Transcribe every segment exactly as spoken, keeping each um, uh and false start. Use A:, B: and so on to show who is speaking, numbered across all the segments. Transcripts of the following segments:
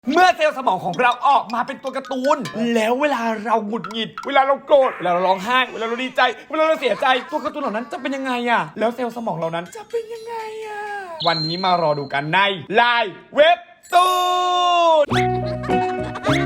A: เมื่อเซลล์สมองของเราออกมาเป็นตัวการ์ตูนแล้วเวลาเราหงุดหงิดเวลาเราโกรธเวลาเราร้องไห้เวลาเราดีใจเวลาเราเสียใจตัวการ์ตูนเหล่านั้นจะเป็นยังไงอะแล้วเซลล์สมองเหล่านั้นจะเป็นยังไงอะวันนี้มารอดูกันในไลน์เว็บตูน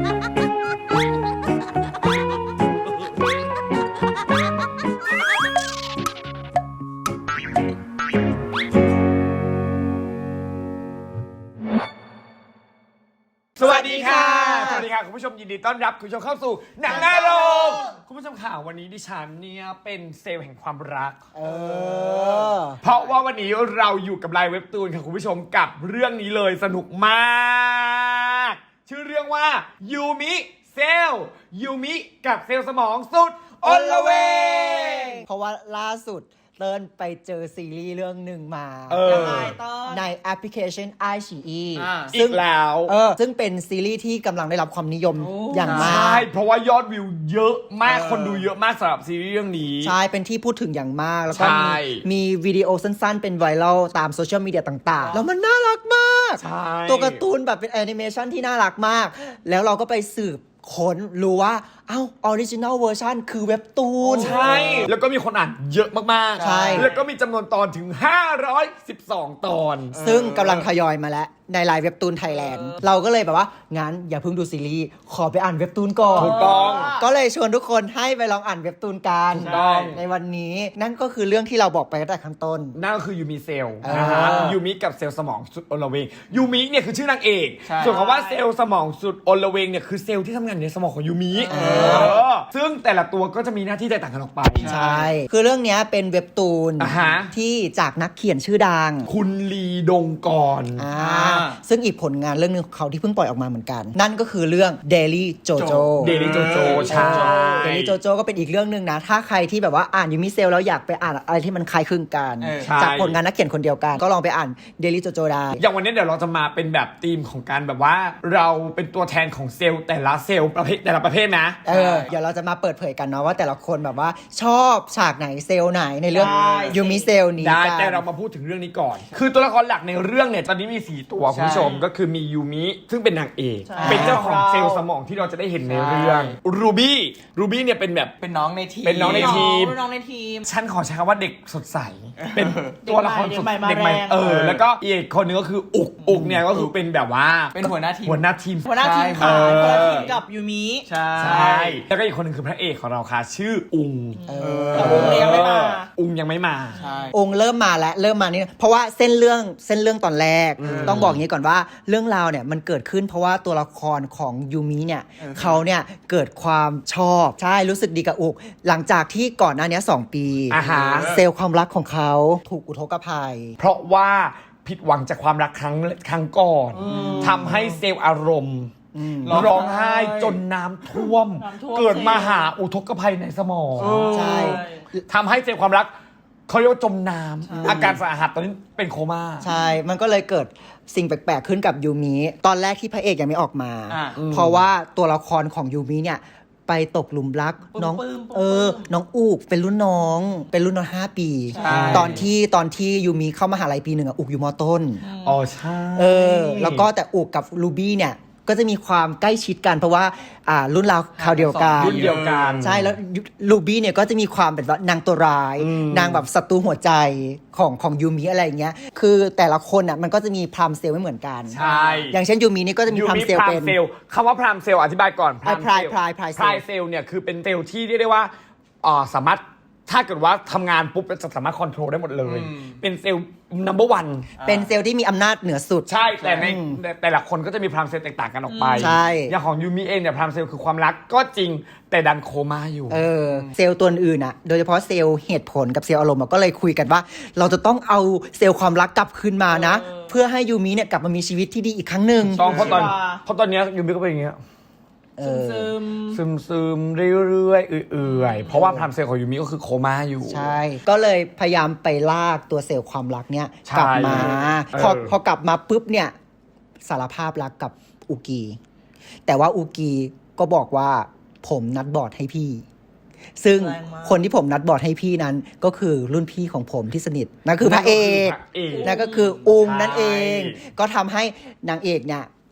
A: สวัสดีค่ะสวัสดีค่ะคุณผู้ชมยินดีต้อนรับคุณผู้ชมเข้าสู่หนังหน้าโรงคุณผู้ชมข่าววันนี้ดิฉันเนี่ยเป็นเซลล์แห่งความรักเออเพราะว่าวันนี้เราอยู่กับไลน์เว็บตูนค่ะคุณผู้ชมกับเรื่องนี้เลยสนุกมากชื่อเรื่องว่ายูมิเซลยูมิกับเซลล์สมองสุดอลเวง
B: เพราะว่าล่าสุดเติ้ลไปเจอซีรีส์เรื่องหนึ่งมาในแอปพลิเคชัน ไอ ซี อี
A: อีกแล้ว
B: เออซึ่งเป็นซีรีส์ที่กำลังได้รับความนิยมอย่างมาก
A: ใช่เพราะว่ายอดวิวเยอะมากคนดูเยอะมากสำหรับซีรีส์เรื่องนี้
B: ใช่เป็นที่พูดถึงอย่างมากแล้วก็มีมีวิดีโอสั้นๆเป็นไวรัลตามโซเชียลมีเดียต่างๆแล้วมันน่ารักมากตัวการ์ตูนแบบเป็นแอนิเมชันที่น่ารักมากแล้วเราก็ไปสืบค้นรู้ว่าเอ้าออริจินัลเวอร์ชันคือเว็บตูน
A: ใช่แล้วก็มีคนอ่านเยอะมากๆ
B: ใช่
A: แล้วก็มีจำนวนตอนถึงห้าร้อยสิบสองตอน
B: ซึ่งกำลังทยอยมาแล้วในไลน์เว็บตูนไทยแลนด์เราก็เลยแบบว่างั้นอย่าเพิ่งดูซีรีส์ขอไปอ่านเว็บตูนก่อน
A: ถูกต้อง
B: ก็เลยชวนทุกคนให้ไปลองอ่านเว็บตูนกันในวันนี้นั่นก็คือเรื่องที่เราบอกไปตั้งแต่ข้างต้น
A: นั่นก็คือยูมิเซลนะฮะยูมิกับเซลล์สมองสุดอลเวงยูมิเนี่ยคือชื่อนางเอกส่วนคำว่าเซลล์สมองสุดอลเวงเนี่ยคือเซลล์ที่ทำงานในสมองของยูมิซึ่งแต่ละตัวก็จะมีหน้าที่แตกต่างกันออกไป
B: ใช่คือเรื่องนี้เป็นเว็บตูนที่จากนักเขียนชื่อดัง
A: คุณลีดงกร
B: ซึ่งอีกผลงานเรื่องนึงของเขาที่เพิ่งปล่อยออกมาเหมือนกันนั่นก็คือเรื่อง Daily Jojo
A: Daily Jojo ใช่
B: Daily Jojo ก็เป็นอีกเรื่องนึงนะถ้าใครที่แบบว่าอ่านยูมิเซลแล้วอยากไปอ่านอะไรที่มันคล้ายคลึงกันจากผลงานนักเขียนคนเดียวกันก็ลองไปอ่าน Daily Jojo ได้
A: อย่างวันนี้เดี๋ยวเราจะมาเป็นแบบธีมของการแบบว่าเราเป็นตัวแทนของเซลล์แต่ละเซลล์ประเภทแต่ละประเภทนะ
B: เออเดี๋ยวเราจะมาเปิดเผยกันเนาะว่าแต่ละคนแบบว่าชอบฉากไหนเซลล์ไหนในเรื่องยูมิเซลนี้
A: ได้แต่เรามาพูดถึงเรื่องนี้ก่อนคือตัวละครหลักในเรื่องเนี่ยตอนนี้มีสี่ตัวคุณผู้ชมก็คือมียูมิซึ่งเป็นนางเอกเป็นเจ้าของเซลล์สมองที่เราจะได้เห็นในเรื่องรูบี้รูบี้เนี่ยเป็นแบบ
C: เป็นน้องในทีม
A: เป็นน้องในทีม
C: น้องในทีม
A: ฉันขอใช้คำว่าเด็กสดใสเป็นตัวละครสดเด็กใหม่เออแล้วก็อีกคนนึงก็คืออุกอุกเนี่ยก็คือเป็นแบบว่า
C: เป็นหัวหน้าทีม
A: หัวหน้าทีม
C: หัวหน้าทีมค่ะหัวหน้าทีมกับยูมิ
A: ใช่แล้วก็อีกคนนึงคือพระเอกของเราค่ะชื่ออุง
C: แต่อุงยังไม่มา
A: อุงยังไม่มา
B: อุงเริ่มมาแล้วเริ่มมานี่เพราะว่าเส้นเรื่องเส้นเรื่องตอนแรกต้องบอกอย่างนี้ก่อนว่าเรื่องราวเนี่ยมันเกิดขึ้นเพราะว่าตัวละครของยูมิเนี่ยเขาเนี่ยเกิดความชอบใช่รู้สึกดีกับอุกหลังจากที่ก่อนหน้านี้สองปีเซลล์ความรักของเขาถูกอุทกภัย
A: เพราะว่าผิดหวังจากความรักครั้งครั้งก่อนทำให้เซลล์อารมณ์ร้องไห้จนน้ำท่วมเกิดมหาอุทกภัยในสมอง
B: ใช่
A: ทำให้เซลล์ความรักเขาเรียกว่าจมน้ำอาการสาหัสตอนนี้เป็นโคม่า
B: ใช่มันก็เลยเกิดสิ่งแปลกๆขึ้นกับยูมิตอนแรกที่พระเอกยังไม่ออกมาเพราะว่าตัวละครของยูมิเนี่ยไปตกหลุมรักน้องเออน้องอูกเป็นรุ่นน้องเป็นรุ่นน้องห้าปีตอนที่ตอนที่ยูมิเข้ามหาลัยปีหนึ่งอะอูกอยู่ม.ต้น
A: อ๋อใช่
B: เออแล้วก็แต่อูกกับรูบี้เนี่ยก็จะมีความใกล้ชิดกันเพราะว่าอ่ารุ่นราวคราวเดียวกัน
A: รุ่นเดียวกัน
B: ใช่แล้วลูบี้เนี่ยก็จะมีความเป็นว่านางตัวร้ายนางแบบศัตรูหัวใจของของยูมิอะไรอย่างเงี้ยคือแต่ละคนอ่ะมันก็จะมีพรามเซลไม่เหมือนกัน
A: ใช่
B: อย่างเช่นยูมินี่ก็จะมีพรามเซลเป็น
A: คำว่าพรามเซลอธิบายก่อน
B: พรามพรายพรายพราย
A: พรายเซลเนี่ยคือเป็นเซลที่เรียกได้ว่าอ่าสามารถถ้าเกิดว่าทำงานปุ๊บจะสามารถคอนโทรลได้หมดเลยเป็นเซลล์ นัมเบอร์ วัน
B: เป็นเซลล์ที่มีอำนาจเหนือสุด
A: ใช่แต่ในแต่ละคนก็จะมีพรามเซลล์แตกต่างกันออกไป
B: ใช่
A: อย่างของยูมิเองเนี่ยพรามเซลล์คือความรักก็จริงแต่ดันโคม่าอยู่
B: เออเซลล์ตัวอื่นอ่ะโดยเฉพาะเซลล์เหตุผลกับเซลล์อารมณ์ก็เลยคุยกันว่าเราจะต้องเอาเซลล์ความรักกลับคืนมานะเพื่อให้ยูมิเนี่ยกลับมามีชีวิตที่ดีอีกครั้งหนึ่ง
A: ต้องเพราะตอนเพราะตอนนี้ยูมิก็เป็นอย่างเงี้ย
C: ซึม
A: ซึมซึมเรื่อยๆเอื่อยๆเพราะว่าพรามเซลล์ของยูมิก็คือโคม่าอยู่
B: ใช่ก็เลยพยายามไปลากตัวเซลล์ความรักเนี่ยกลับมาพอพอกลับมาปุ๊บเนี่ยสารภาพรักกับอุกิแต่ว่าอุกิก็บอกว่าผมนัดบอร์ดให้พี่ซึ่งคนที่ผมนัดบอร์ดให้พี่นั้นก็คือรุ่นพี่ของผมที่สนิทนั่นคือพระเอกนั่นก็คืออุงนั่นเองก็ทำให้นางเอกเนี่ย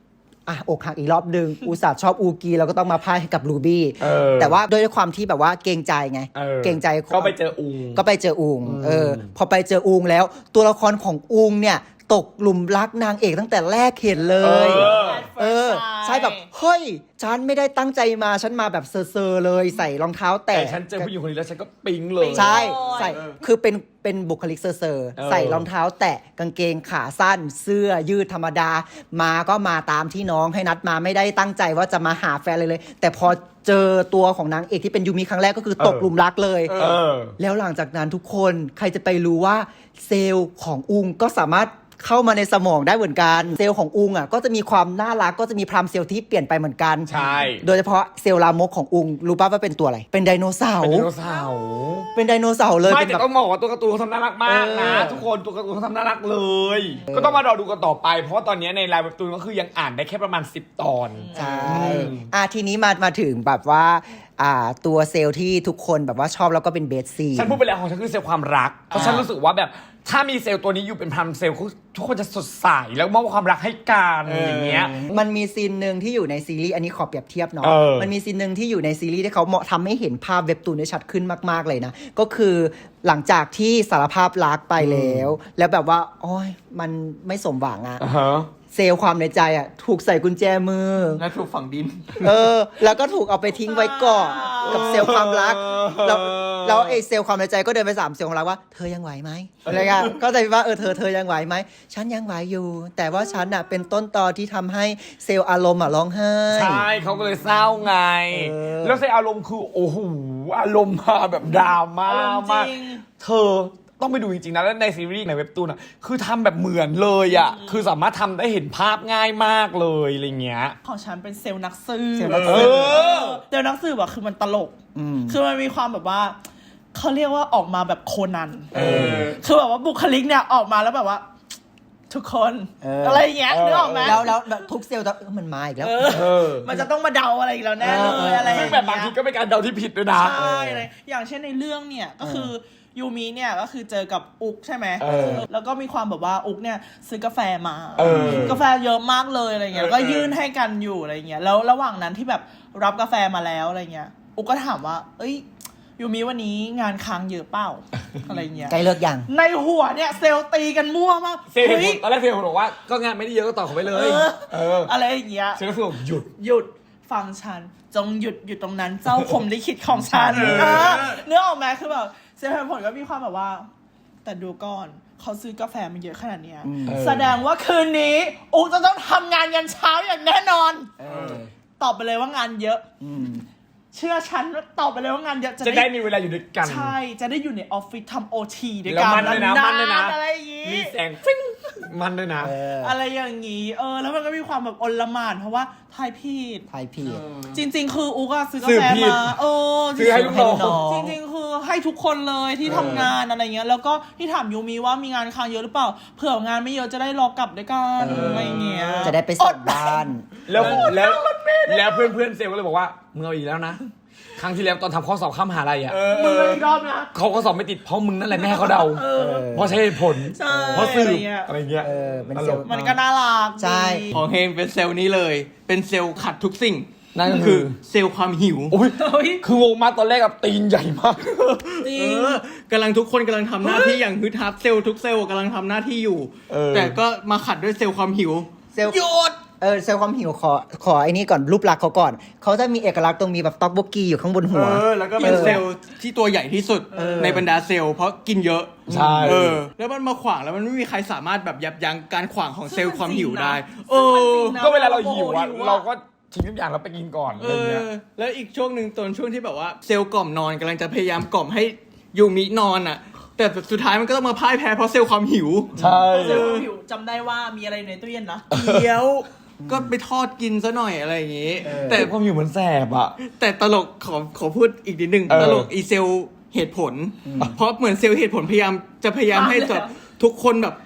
B: อ่ะอกหักอีกรอบหนึ่ง อุตส่าห์ชอบอูกีเราก็ต้องมาพ่ายให้กับรูบี้
A: เออ
B: แต่ว่าด้วยความที่แบบว่าเกรงใจไง
A: เออ
B: เกรงใจ
A: ก็ไปเจออุง
B: ก็ไปเจออุง
A: อืม
B: เออ พอไปเจออุงแล้ว ตัวละครของอุงเนี่ยตกหลุมรักนางเอกตั้งแต่แรกเห็นเลย
A: เออ
B: เออ ใช่แบบ เฮ้ย ฉันไม่ได้ตั้งใจมา ฉันมาแบบเซอร์ๆเลยใส่รองเท้า
A: แต่
B: แตะ
A: ฉันเจอผู้หญิงคนนี้แล้วฉันก็ปิ๊งเลย
B: ใช่
C: โอ้ย
B: ใส่คือเป็นเป็นบุคลิกเซอร์เซอร์
A: เออ
B: ใส่รองเท้าแตะกางเกงขาสั้น เสื้อยืดธรรมดา มาก็มาตามที่น้องให้นัดมาไม่ได้ตั้งใจว่าจะมาหาแฟนเลยเลย แต่พอเจอตัวของนางเอกที่เป็นยูมิครั้งแรกก็คือตกหลุมรักเลย
A: เออ
B: แล้วหลังจากนั้นทุกคนใครจะไปรู้ว่าเซลล์ของอุงก็สามารถเข้ามาในสมองได้เหมือนกัน เซลล์ของอุงอ่ะก็จะมีความน่ารักก็จะมีพรามเซลล์ที่เปลี่ยนไปเหมือนกัน
A: ใช่
B: โดยเฉพาะเซลล์ลามกของอุงรู้ป่ะว่าเป็นตัวอะไรเป็นไดโนเสา
A: เป็น
B: ร์
A: ไดโนเสาร์
B: เป็นไดโนเสาร์เลย
A: ไม่
B: เป็น
A: แต่
B: แบบ
A: ต้องบอกว่าตัวการ์ตูนเขาทำน่ารักมากนะ
B: เออ
A: ทุกคนตัวการ์ตูนเขาทำน่ารักเลย ก็ต้องมารอดูกันต่อไป เพราะว่าตอนนี้ในไลน์เว็บตูนก็คือยังอ่านได้แค่ประมาณสิบตอน
B: ใช่
A: อืม
B: อ่ะทีนี้มามาถึงแบบว่าอ่าตัวเซลล์ที่ทุกคนแบบว่าชอบแล้วก็เป็นเบสซี
A: ฉันพูดไปแล้วของฉันคือเซลล์ความรัก เพราะ
B: อ่า
A: ฉันรู้สึกว่าแบบถ้ามีเซลล์ตัวนี้อยู่เป็นพันเซลล์ทุกคนจะสดใสแล้วมอบความรักให้กันอย่างเงี้ย
B: มันมีซีนหนึ่งที่อยู่ในซีรีส์อันนี้ขอเปรียบเทียบเนาะ
A: เออ
B: มันมีซีนหนึ่งที่อยู่ในซีรีส์ที่เขาเหมาะทำให้เห็นภาพเว็บตูนได้ชัดขึ้นมากๆเลยนะ ก็คือหลังจากที่สารภาพรักไปแล้ว แล้วแบบว่าโอ้ยมันไม่สมหวังอะ
A: อ่าฮะ
B: เซลล์ความในใจอะถูกใส่กุญแจมือ
C: และถูกฝังดิน
B: เออ แล้วก็ถูกเอาไปทิ้งไว้ก่อนกับเซลล์ความรัก แล้วแล้วไอ้เซลล์ความในใจก็เดินไปสามเซลล์ความรักว่าเธอยังไหวไหมอะไรเงี้ยก็จะว่าเออเธอเธอยังไหวไหมฉันยังไหวอยู่ แต่ว่าฉันอ่ะเป็นต้นตอที่ทำให้เซลล์อารมณ์อ่ะร้องไห้
A: ใช่เขาก็เลยเศร้าไง
B: เออ
A: แล้วเซลล์อารมณ์คือโอ้โหอารมณ์มาแบบดราม่า
C: อารมณ์จริ
A: มาก
C: ง
A: เธอต้องไปดูจริงๆนะแล้วในซีรีส์ในเว็บตูนอ่ะคือทำแบบเหมือนเลยอ่ะคือสามารถทำได้เห็นภาพง่ายมากเลยอะไรเงี้ย
C: ของฉันเป็นเซลล์นักสืบ
B: เซลล์นักสื
A: เอบ อ
C: เซลล์นักสืบอะคือมันตลก
B: อืม
C: คือมันมีความแบบว่าเขาเรียกว่าออกมาแบบโคนัน
A: เออ
C: คือแบบว่าบุคลิกเนี่ยออกมาแล้วแบบว่า ทุกคน
B: เอออ
C: อะไรอย่างเงี้ยนึกออกไหม
B: แล้วแล้วแล้วทุกเซลล์จะเออมันมาอีกแล้ว
C: เออ
A: เออ
C: มันจะต้องมาเดาอะไรอีกแล้วแน่เล
B: เออเอย อ
C: อะไรอย่
A: ซึ่ง
C: เย
A: แบบบางทีก็เป็นการเดาที่ผิดด้วยนะ
C: ใช่อะไรอย่างเช่นในเรื่องเนี่ยก็คือยูมิเนี่ยก็คือเจอกับอุกใช่ไหม
A: เออ
C: แล้วก็มีความแบบว่าอุกเนี่ยซื้อกาแฟมา
A: เออ
C: กาแฟเยอะมากเลยอะไรเงี้ย
A: เออ
C: ก็ยื่นให้กันอยู่อะไรเงี้ยแล้วระหว่างนั้นที่แบบรับกาแฟมาแล้วอะไรเงี้ยอุกก็ถามว่า เอ้ยยูมิวันนี้งานค้างเยอะเปล่า อะไรเงี้ย
B: ใกล้เลิกยัง
C: ในหัวเนี่ยเซลล์ตีกันมั่วมาก
A: เซลล์
C: เฮ้ย
A: ตอนแรกเซลล์บอกว่าก็งานไม่ได้เยอะก็ต่อเขาไปเลย
C: เออ
A: เออ
C: อะไรอย่างเงี้ย
A: เซลล์ก็คือบอกหยุด
C: หยุดฟังฉันจงหยุดหยุดตรงนั้นเจ้าคมลิขิตของฉัน
A: เออ
C: เออเนื้อออกไหมคือแบบเซลล์ผลก็มีความแบบว่า แต่ดูก่อนเขาซื้อกาแฟมาเยอะขนาดเนี้ย
B: อืม
C: แสดงว่าคืนนี้อุกจะต้องทำงานยันเช้าอย่างแน่นอน
B: เออ
C: ตอบไปเลยว่างานเยอะ
B: อืม
C: เชื่อฉันว่าตอบไปเลยว่างานเยอะ
A: จะได้มีเวลาอยู่ด้วยกัน
C: ใช่จะได้อยู่ในออฟฟิศทำโอทีด้วย
A: แล้ว
C: กัน
A: มันด้วยนะมันด้วยนะ
C: อะไรอย่างงี้
A: มีแสงฟิ้งมันด้วยนะ
B: เออ
C: อะไรอย่างงี้ เออ แล้วมันก็มีความแบบอลหม่านเพราะว่าทายผิด
B: ไทยพีด
C: จริง ๆ คืออุกอะซื้อกา
A: ซื้อ
C: แฟ
A: ผิด
C: มาเออ
A: ซื้อให้ลูกน้อง
C: จริงๆ คือให้ทุกคนเลยที่ทำงานอะไรเงี้ย แล้วก็ที่ถามยูมิว่ามีงานค้างเยอะหรือเปล่า เผื่องานไม่เยอะจะได้รอกลับด้วยกัน
B: เอออ
C: อะไรเงี้ย
B: จะได้ไปส่งบ้าน
A: แล้วแล้วแล้วเพื่อนเพื่อนๆเซลล์ก็เลยบอกว่ามึงเอาอีกแล้วนะ ครั้งที่แล้วตอนทำข้อสอบข้ามมหาลัยอ่ะ
C: มึงเลยอีกรอบนะ
A: เขาก็สอบไม่ติดเพราะมึงนั่นแหละแม่ให้เขาเดา
C: เออ
A: เพราะใช้เหตุผล
C: ใช่
A: เพราะสืบ
C: อะไรเงี้ย
A: อะไรเงี้ย
B: เออเป็น
A: ต
B: เซ
A: ล
B: ล
A: ก
B: ล์
C: มันก็น่ารัก
B: ใช่
C: ดี
D: ของเฮงเป็นเซลล์นี้เลย เป็นเซลล์ขัดทุกสิ่ง
A: นั่นก็
D: คื
A: คือ อ
D: เซลล์ความหิว
A: โอ้ย
C: เฮ้ย
A: คืองงมากตอนแรกกับตีนใหญ่มาก
C: จริ
D: เอง อกำลังทุกคนกำลังทำหน้าที่อย่างฮึดฮับเซลล์ทุกเซลล์กำลังทำหน้าที่อยู่
A: เออ
D: แต่ก็มาขัดด้วยเซลล์ความหิว
B: เซลล์
C: หยุด
B: เออเซลล์ความหิวขอขอไอ้นี่ก่อนรูปลักษณ์เขาก่อน เขาจะมีเอกลักษณ์ตรงมีแบบต็อกโบกี้อยู่ข้างบนหัว
D: เออ แล้วก็เป็น
B: เออ
D: เซลล์ที่ตัวใหญ่ที่สุด
B: เออ
D: ในบรรดาเซลล์เพราะกินเยอะ
A: ใช่
D: เออ แล้วมันมาขวางแล้วมันไม่มีใครสามารถแบบยับยั้งการขวางของเซลล์ความหิวได้ เอ
C: ซึ่งมันจริงนะ
D: อ
A: ก็เวลาเราหิวอะ
C: หิวอะ
A: เราก็ทิ้งทุกอย่างแล้วไปกินก่อนอะไร
D: เอ
A: เงี้ย
D: อ แล้วอีกช่วงหนึ่งตอนช่วงที่แบบว่าเซลล์กล่อมนอนกำลังจะพยายามกล่อมให้ยูมินอนอ่ะ แต่สุดท้ายมันก็ต้องมาพ่ายแพ้เพราะเซลล์ความหิว
A: ใช่
C: เซลล์ความหิวจำได้ว่ามีอะไรอยู่ในตู้เย็นนะ
D: เดี๋ยวก็ไปทอดกินซะหน่อยอะไรอย่างงี้
A: แต่
D: แต่
A: ความหิวเหมือนแสบอะ
D: แต่ตลกขอขอพูดอีกนิดนึง
A: เออ
D: ตลกอีเซลเหตุผล เพราะเหมือนเซลล์เหตุผลพยายามจะพยายามให้
C: มาเลย
D: แบบ
C: อะ
D: ทุกคนแบบ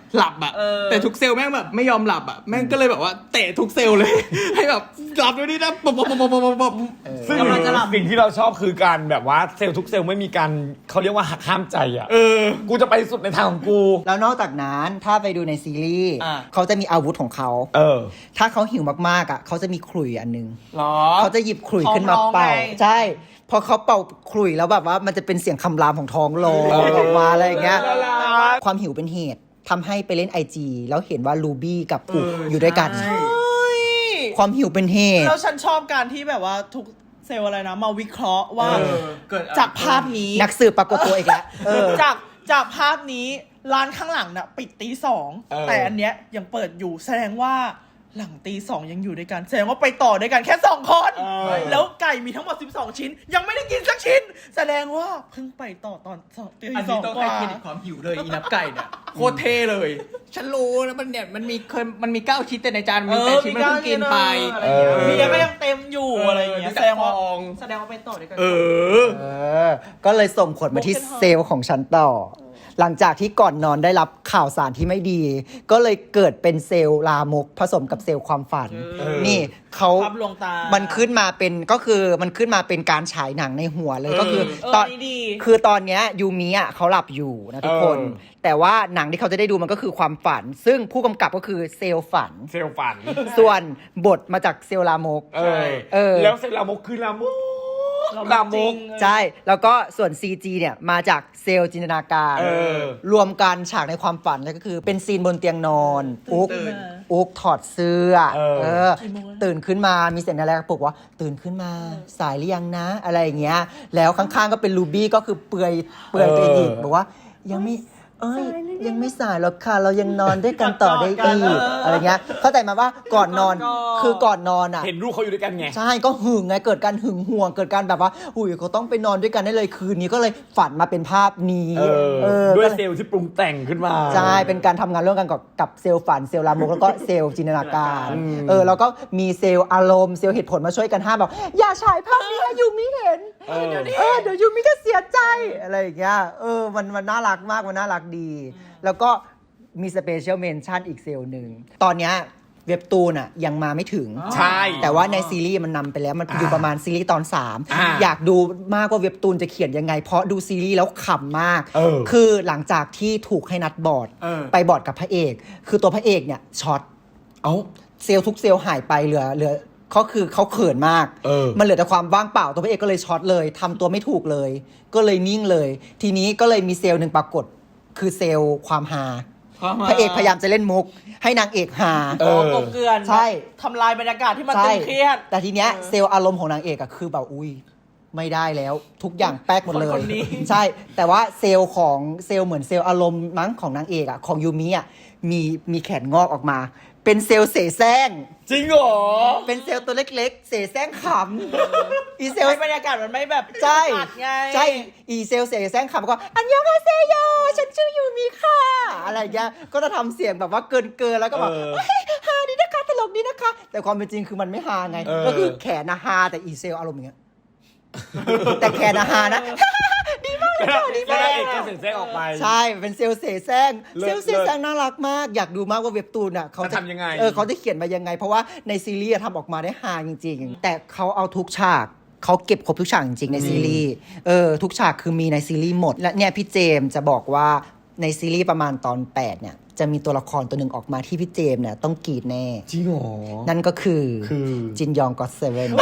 D: หลับอะ
C: เออ
D: แต่ทุกเซลล์แม่งแบบไม่ยอมหลับอะแม่งก็เลยแบบว่าเตะทุกเซลล์เลย ให้แบบหลับด้วยนี่นะป๊บป๊บป๊บป๊บป๊บป๊บ
A: ซึ่ง
C: กำลังจะหลับ
A: สิ่งที่เราชอบคือการแบบว่าเซลล์ทุกเซลล์ไม่มีการเขาเรียกว่าหักห้ามใจอ่ะ
D: เออ
A: กูจะไปสุดในทางของกู
B: แล้วนอกจากนั้นถ้าไปดูในซีรีส์
C: อ่ะ
B: เขาจะมีอาวุธของเขา
A: เออ
B: ถ้าเขาหิวมากๆอ่ะเขาจะมีขลุ่ยอันนึง
C: หรอ
B: เขาจะหยิบขลุ่ยขึ้นมา
C: ท้องร้อง
B: เป่า
C: ไง
B: ใช่พอเขาเป่าขลุ่ยแล้วแบบว่ามันจะเป็นเสียงคำรามของท้องร้องออกมาอะไรอย่างเงี้ย
A: น่ารัก
B: ความหิวเป็นเหตุทำให้ไปเล่น ไอ จี แล้วเห็นว่าลูบี้กับอุก
D: เออ
B: อยู่ด้วยกัน
D: ใช่
B: ความหิวเป็นเหตุ
C: แล้วฉันชอบการที่แบบว่าทุกเซลล์อะไรนะ มาวิเคราะห์ว่า
D: เออเกิดอะไร
C: จากภาพนี้
B: นักสืบปรากฏตัวอีกแล้วเออ
C: จากจากภาพนี้ร้านข้างหลังน่ะปิดตีสอง
A: เออ
C: แต่อันเนี้ยยังเปิดอยู่แสดงว่าหลังตีสองยังอยู่ด้วยกัน แสดงว่าไปต่อด้วยกันแค่สองคน
A: เออ
C: แล้วไก่มีทั้งหมดสิบสองชิ้น ยังไม่ได้กินสักชิ้น แสดงว่าเพิ่งไปต่อตอนสองตี
D: อัน
C: ส
D: นี้
C: อง
D: ต้อง
C: ก
D: ให้
C: ว่า
D: เครดิตความหิวเลยอีนับไก่เนี่ยโคตรเท่เลย ฉันรู้นะมันเนี่ยมันมีเคยมันมีเก้าชิ้นแต่ในจานมันมีแปดชิ้นมันเพิ่งกินไป
C: อะไรอย่างเงี้ย
A: เออ
C: เบียร์ก็ยังเต็มอยู่อะไรอย่างเงี้ย
D: เออ
C: แสดงว่า
D: มีแต่ฟอง
C: แสดงว่าไปต่อด้วยกัน
D: เออ
B: เออ ก็เลยส่งผลมาที่เซลล์ของฉันต่อ หลังจากที่ก่อนนอนได้รับข่าวสารที่ไม่ดี ก็เลยเกิดเป็นเซลล์ลามกผสมกับเซลล์ความฝัน
A: เออ
B: นี่เขา
C: ภาพลวงตา
B: มันขึ้นมาเป็นก็คือมันขึ้นมาเป็นการฉายหนังในหัวเลย
D: เออ
B: ก็คือ
C: เออ
B: ตอน
C: นี่ดี
B: คือตอนเนี้ยยูมิอ่ะเขาหลับอยู่นะทุกคน
A: เออ
B: แต่ว่าหนังที่เขาจะได้ดูมันก็คือความฝัน ซึ่งผู้กำกับก็คือเซลล์ฝัน
A: เซลล์ฝัน
B: ส่วนบทมาจากเซลล์ลามก
A: เออ
B: เออ
A: แล้วเซลล์ลามกคือลามกลามก
B: ใช่ แล้วก็ส่วน ซี จี เนี่ยมาจากเซลล์จินตนาการ
A: เออ
B: รวมกันฉากในความฝันแล้วก็คือเป็นซีนบนเตียงนอนอุ๊ก
D: ตื่น
B: อุ๊กถอดเสื้อ
A: เออ
B: เออ
C: กี่โมงแล้ว
B: ตื่นขึ้นมามีเสียงอะไรปลุกว่า ตื่นขึ้นมาสายหรือยังนะ อะไรอย่างเงี้ย แล้วข้างๆก็เป็นลูบี้ก็คือเปลือยเปลือยตัวเองอีกบอกว่ายังไม่เอ้ยยังไม่สายหรอกค่ะ เรายังนอนด้วยกันต่อได้อีกอะไรเงี้ยเข้าใจมาว่าก่อนนอนคือก่อนนอนอ่ะ
A: เห็นลูกเขาอยู่ด้วยกันไง
B: ใช่ก็หึงไงเกิดการหึงห่วงเกิดการแบบว่าอุ้ยเขาต้องไปนอนด้วยกันได้เลยคืนนี้ก็เลยฝันมาเป็นภาพนี้
A: เออ
B: เออ
A: ด้วย
B: ก็เล
A: เซลล์ที่ปรุงแต่งขึ้นมา
B: ใช่เป็นการทำงานร่วมกันกับกับเซลล์ฝันเซลล์ลามกแล้วก็เซลล์จินตนาการ
A: อืม
B: เออแล้วก็มีเซลล์อารมณ์เซลล์เหตุผลมาช่วยกันห้ามแบบอย่าฉายภาพนี้ให้ยูมิเห็น
A: เออ
B: เออเดี๋ยวยูมิจะเสียใจอะไรอย่างเงี้ยเออมันมันน่ารักมากมันน่ารักดี แล้วก็มีสเปเชียลเมนชั่นอีกเซลล์หนึ่งตอนเนี้ยเว็บตูนอ่ะยังมาไม่ถึง
A: ใช่
B: แต่ว่าในซีรีส์มันนำไปแล้วมันอยู่ประมาณซีรีส์ตอนสาม
A: อ่า
B: อยากดูมากว่าเว็บตูนจะเขียนยังไง เพราะดูซีรีส์แล้วขำมาก
A: เออ
B: คือหลังจากที่ถูกให้นัดบอร์ด
D: เออ
B: ไปบอร์ดกับพระเอก คือตัวพระเอกเนี่ยช็อต
A: เอ้า
B: เซลล์ทุกเซลล์หายไปเหลือเหลือเขาคือเขาเขินมาก
A: เออ
B: มันเหลือแต่ความว่างเปล่าตัวพระเอกก็เลยช็อตเลยทำตัวไม่ถูกเลย ก็เลยนิ่งเลย ทีนี้ก็เลยมีเซลล์หนึ่งปรากฏคือเซลล์ความฮา
D: ความฮา
B: พระเอกพยายามจะเล่นมุก ให้นางเอกฮา
A: เออ
C: กบเกลือน
B: ใช่
C: ทำลายบรรยากาศที่มัน
B: ใช่
C: ตึงเครียด
B: แต่ทีเนี้ยเซลล์อารมณ์ของนางเอกอะคือแบบอุ้ยไม่ได้แล้วทุกอย่างแป๊กหมดเลย
C: คนคนนี้
B: ใช่ แต่ว่าเซลล์ของเซลล์เหมือนเซลล์อารมณ์มั้งของนางเอกอะของยูมิอะมีมีแขนงอกออกมา เป็นเซลล์เสแสร้ง
A: จริงเหรอ
B: เป็นเซลล์ตัวเล็กๆ เสแสร้งขำอีเซลล์
C: ให้บรรยากาศมันไม่แบบ
B: ใช่
C: อัดไง
B: ใช่อีเซลล์เสแสร้งขำก็อันยองฮาเซโยฉันชื่อยูมิค่ะอะไรอย่างเงี้ยก็จะทำเสียงแบบว่าเกินเกินๆแล้วก็แบบ
A: เออ
B: เฮ้ยฮาดีนะคะตลกดีนะคะ แต่ความเป็นจริงคือมันไม่ฮาไง
A: เออ
B: ก็คือแขนนะฮาแต่อีเซลล์อารมณ์อย่างเงี้ย แต่แขนนะฮานะ ดีมากเลยค่ะดี
A: แล้ว
B: มาก
A: นางเอกก็เสร็จแทรกออกไป
B: ใช่เป็นเซลล์เสแสร้ง
A: เลิศ
B: เซลล์เสแสร้งน่ารักมาก อยากดูมากว่าเว็บตูนอ่ะเขา
A: จะทำยังไง
B: เออเขาจะเขียนมายังไง เพราะว่าในซีรีส์อะทำออกมาได้ฮาจริงๆ แต่เขาเอาทุกฉากเขาเก็บครบทุกฉากจริงๆในซีรีส์เออทุกฉากคือมีในซีรีส์หมดและเนี่ยพี่เจมส์จะบอกว่าในซีรีส์ประมาณตอนแปดเนี่ยจะมีตัวละครตัวหนึ่งออกมาที่พี่เจมส์เนี่ยต้องกรีดแน่
A: จริงเหรอ
B: นั่นก็คือ
A: คือ
B: จินยองก็อตเซเว่น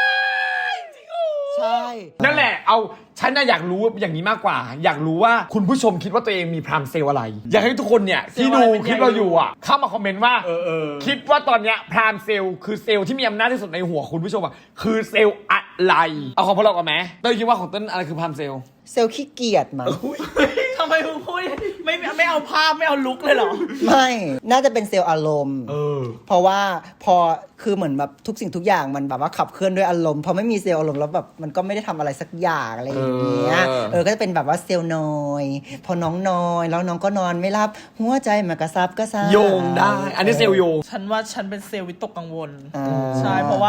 B: ใช่
A: นั่นแหละ เอา ฉันน่ะอยากรู้อย่างนี้มากกว่า อยากรู้ว่าคุณผู้ชมคิดว่าตัวเองมีพรามเซลล์อะไร อยากให้ทุกคนเนี่ยที่ดูคลิปเราอยู่อ่ะ เข้ามาคอมเมนต์ว่า
D: เออเออ
A: คิดว่าตอนเนี้ยพรามเซลล์คือเซลล์ที่มีอำนาจที่สุดในหัวคุณผู้ชมอ่ะ คือเซลล์อะไร เอาของพวกเราก่อนไหมเต้ยคิดว่าของเต้นอะไรคือพรามเซลล์
B: เซลล์ขี้เกียจมั้ง
C: ทำไมมึงพูดไม่ไม่เอาภาพไม่เอาลุกเลยเหรอ
B: ไม่ น่าจะเป็นเซลล์อารมณ์
A: เออ
B: เพราะว่าพอคือเหมือนแบบทุกสิ่งทุกอย่างมันแบบว่าขับเคลื่อนด้วยอารมณ์พอไม่มีเซลล์อารมณ์แล้วแบบมันก็ไม่ได้ทำอะไรสักอย่างอะไรอย่างเงี้ย
A: เออ
B: เออก็จะเป็นแบบว่าเซลล์นอย พอน้องนอยแล้วน้องก็นอนไม่รับหัวใจมันกระซับกระซ่าย
A: โยงได้ อันนี้เซลล์โยง
C: ฉันว่าฉันเป็นเซลล์วิตกกังวล
B: อ่า
C: ใช่เพราะว่า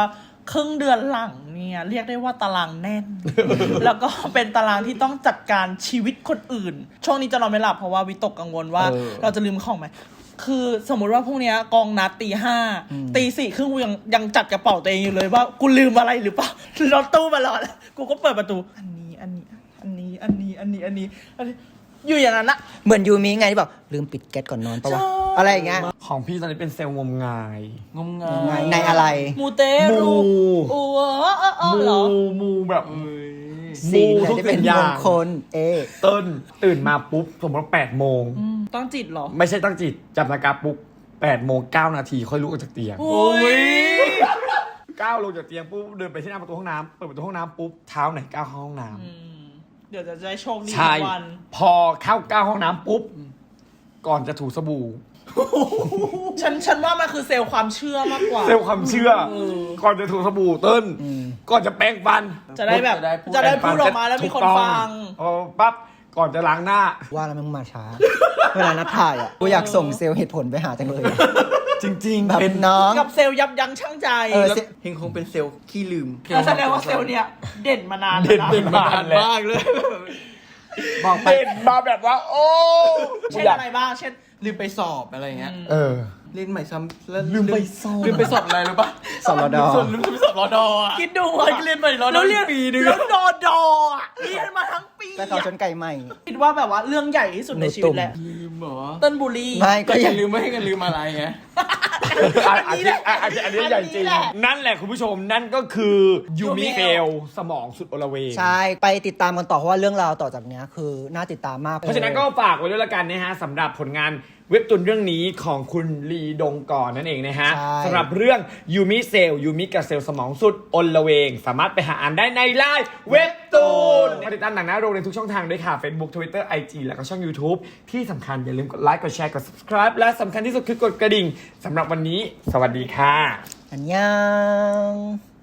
C: ครึ่งเดือนหลังเนี่ยเรียกได้ว่าตารางแน่น แล้วก็เป็นตารางที่ต้องจัดการชีวิตคนอื่น ช่วงนี้จะนอนไม่หลับเพราะว่าวิตกกังวลว่า
A: เออ
C: เราจะลืมของไหมคือสมมุติว่าพรุ่งนี้กองนัดตีห้าตีสี่ครึ่งกูยังยังจัดกระเป๋าตัวเองอยู่เลยว่ากูลืมอะไรหรือเปล่ารถตู้มารอแล้วกูก็เปิดประตูอันนี้อันนี้อันนี้อันนี้อันนี้อันนี้อันนี้อยู่อย่างนั้นนะ
B: เหมือนยูมิไงที่บอกลืมปิดแก๊สก่อนนอนปะวะ
C: ใช่
B: อะไรอย่างเงี้ย
A: ของพี่ตอนนี้เป็นเซลล์งมงาย
D: งมงา
B: ไง
D: ย
B: ในอะไร
C: มูเตรู
A: มู
C: โอ้เออเออเออเหรอ
A: มูแบบ
D: เอ้ย
B: สีไหน
A: ทุก
B: ที่เป็น
A: สิ่งอ
B: ม
A: ย่าง
B: งคลเอะ
A: เติ้ลตื่นมาปุ๊บสมมติว่าแปดโมง
C: อืมต้องจิตเหรอ
A: ไม่ใช่ตั้งจิตจับนาฬิกาปุ๊บแปดโมงเก้านาทีค่อยลุกออกจากเตียง
C: โอ้ย
A: ก้าวลงจากเตียงปุ๊บเดินไปที่หน้าประตูห้องน้ำเปิดประตูห้องน้ำปุ๊บเท้าไหนก้าวเข้าห้องน้ำ
C: อืมเดี๋ยวจะได้โชคดี
A: ใช่
C: ทุกวัน
A: พอเข้าก้าวห้องน้ำปุ๊บก่อนจะถูสบู่
C: ฉันฉันว่ามันคือเซลล์ความเชื่อมากกว่า
A: เซลล์ความเชื่ออก่อนจะถูสบู่เติ้ลก่อนจะแปรงฟัน
C: จะได้แบบ
D: จะได้พูด
C: จะได้พูดออกมาแล้วมีคนฟัง
A: พอปั๊บก่อนจะล้างหน้า
B: ว่าแล้วมึงมาช้า เวลานัดถ่ายอ่ะกูอยากส่งเซลล์เหตุผลไปหาจังเลย
A: จริงๆ
B: แบบ
A: เป็น
B: น้อง
C: กับเซลล์ยับยั้งชั่งใจ
B: เออ
D: แล้วเฮงคงเป็นเซลล์ขี้ลืม
C: แล้วแสดงว่าเซลล์เนี่ยเด่นมานาน
A: เด่น
C: แล้วะ
A: เด่นมานานแล้ว
D: มากเลย
B: บอกไป
A: เด่นมาแบบว่า โอ้
C: เช่นอะไรบ้างเช่น
D: ลืมไปสอบอะไรเงี้ย
A: เออ
D: เล่นใหม่ซ้ำแล้ว
A: ลืมไปสอบ
D: ลืมไปสอบอะไรรู้ปะ
B: สอบรด
D: ส่วนลืมไปสอบรอดออ่ะ
C: คิดดู
D: เฮ้ยเรียนใหม่รอดอ
C: แล้วเรียน
D: ปีนึง
C: แล้วดอดออะเรียนมาทั้งปี
B: แต่เขาจนไก่ใหม่
C: คิดว่าแบบว่าเรื่องใหญ่ที่สุดในชีวิตแหละ
D: ลืมเหรอ
C: เต้นบุรี
B: ไม่ก็
D: ก็อ
B: ยั
D: ย่าง ลืมไม่ให้กันลืมอะไรไง
A: อันอันนี้อันนี้อันนี้ใหญ่จริง
C: อันนี้แหละ
A: นั่นแหละคุณผู้ชมนั่นก็คือยูมิเฟลสมองสุดโอละเวง
B: ใช่ ไปติดตามกันต่อเพราะว่าเรื่องราวต่อจากเนี้ยคือน่าติดตามมาก
A: เพราะฉะนั้นก็ฝากไว้ด้วยละกันนะฮะสำหรับผลงานเว็บตูนเรื่องนี้ของคุณลีดงก่อนนั่นเองนะฮะ
B: ใช่
A: สำหรับเรื่องยูมิเซลยูมิกับเซลสมองสุดอลละเวง สามารถไปหาอ่านได้ในไลน์เว็บตูนมาติดตามหนังหน้าโรงในทุกช่องทางด้วยค่ะ Facebook Twitter ไอ จี แล้วก็ช่อง YouTube ที่สำคัญอย่าลืมกดไลค์กดแชร์กด subscribe และสำคัญที่สุดคือกดกระดิ่งสำหรับวันนี้ สวัสดีค่ะ
B: อันยัง